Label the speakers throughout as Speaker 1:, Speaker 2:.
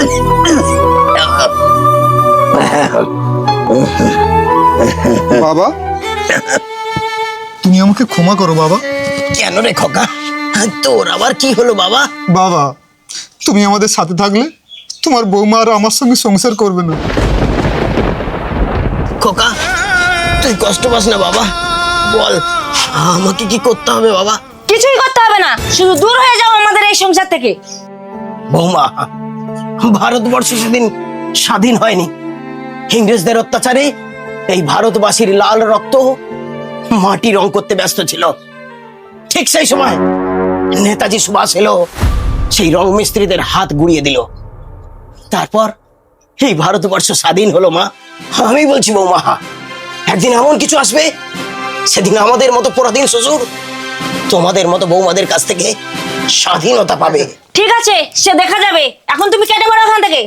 Speaker 1: বাবা, তুমি আমাকে ক্ষমা করো বাবা।
Speaker 2: কেন রে খোকা, তোর আবার কি হলো বাবা?
Speaker 1: বাবা, তুমি আমাদের সাথে থাকলে তোমার বৌমা আর আমার সঙ্গে সংসার করবে না।
Speaker 2: খোকা, তুই কষ্ট পাস না বাবা। বল, আমাকে কি করতে হবে বাবা?
Speaker 3: কিছুই করতে হবে না, শুধু দূর হয়ে যাও আমাদের এই সংসার থেকে।
Speaker 2: বৌমা, ভারতবর্ষ সেদিন স্বাধীন হয়নি। ইংরেজদের অত্যাচারে এই ভারতবাসীর লাল রক্ত মাটি রং করতে ব্যস্ত ছিল। ঠিক সেই সময় নেতাজি সুভাষ এলো, সেই রং মিস্ত্রিদের হাত গুড়িয়ে দিল। তারপর এই ভারতবর্ষ স্বাধীন হলো মা। আমি বলছি বৌমা, একদিন এমন কিছু আসবে, সেদিন আমাদের মতো পরাধীন শ্বশুর তোমাদের মতো বৌমাদের কাছ থেকে স্বাধীনতা পাবে।
Speaker 3: ঠিক আছে, সে দেখা যাবে। এখন তুমি কেটে পড়ো ওখান থেকে।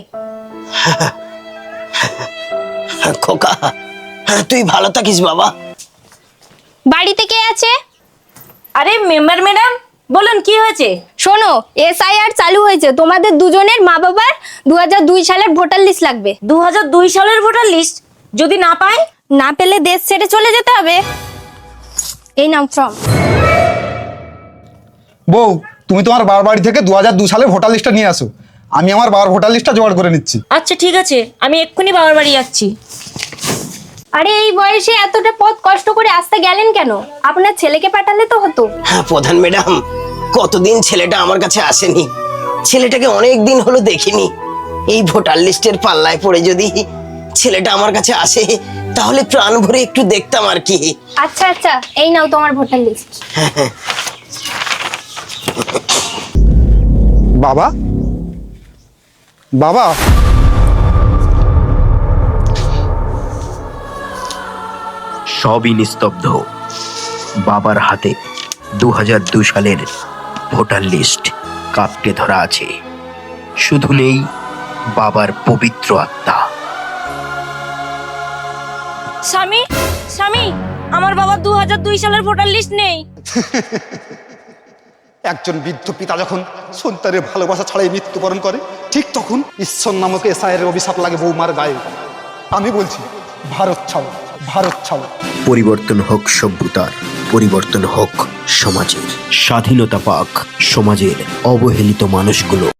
Speaker 2: খোকা, তুই ভালো থাকিস বাবা।
Speaker 4: বাড়িতে কে আছে?
Speaker 3: আরে মেম্বার ম্যাডাম, বলুন কি হয়েছে?
Speaker 4: শোনো, SIR চালু হয়েছে, তোমাদের দুজনের মা বাবার 2002 সালের ভোটার লিস্ট লাগবে।
Speaker 3: 2002 সালের ভোটার লিস্ট যদি না পাই?
Speaker 4: না পেলে দেশ ছেড়ে চলে যেতে হবে। এই নাম ফর্ম।
Speaker 1: বউ, তুমি তোমার বাবার বাড়ি থেকে 2002 সালে ভোটার লিস্টটা নিয়ে আসো। আমি আমার বাবার ভোটার লিস্টটা জোগাড় করে নিচ্ছি।
Speaker 3: আচ্ছা ঠিক আছে, আমি এক্ষুনি বাবার বাড়ি যাচ্ছি।
Speaker 4: আরে এই বয়সে এতটা পথ কষ্ট করে আসতে গেলেন কেন? আপনার ছেলেকে পাঠালে তো হতো।
Speaker 2: হ্যাঁ প্রধান ম্যাডাম, কতদিন ছেলেটা আমার কাছে আসেনি। ছেলেটাকে অনেক দিন হলো দেখিনি। এই ভোটার লিস্টের পাল্লায় পড়ে যদি ছেলেটা আমার কাছে আসে, তাহলে প্রাণ ভরে একটু দেখতাম আর কি।
Speaker 4: আচ্ছা আচ্ছা, এই নাও তোমার ভোটার লিস্ট।
Speaker 1: বাবা, বাবা,
Speaker 5: সবই নিস্তব্ধ। বাবার হাতে 2002 সালের ভোটার লিস্ট কাঁপতে ধরা আছে। শুধু নেই বাবার পবিত্র আত্মা।
Speaker 3: স্বামী, স্বামী, আমার বাবা 2002 সালের ভোটার লিস্ট নেই।
Speaker 1: একজন বৃদ্ধ পিতা যখন সন্তানের ভালোবাসা ছাড়াই মৃত্যুবরণ করে, ঠিক তখন ঈশ্বর নামক SIR এর অভিশাপ লাগে বৌমার গায়ে। আমি বলছি, ভারত ছাড়ো, ভারত ছাড়ো।
Speaker 5: পরিবর্তন হোক সভ্যতার, পরিবর্তন হোক সমাজের। স্বাধীনতা পাক সমাজের অবহেলিত মানুষগুলো।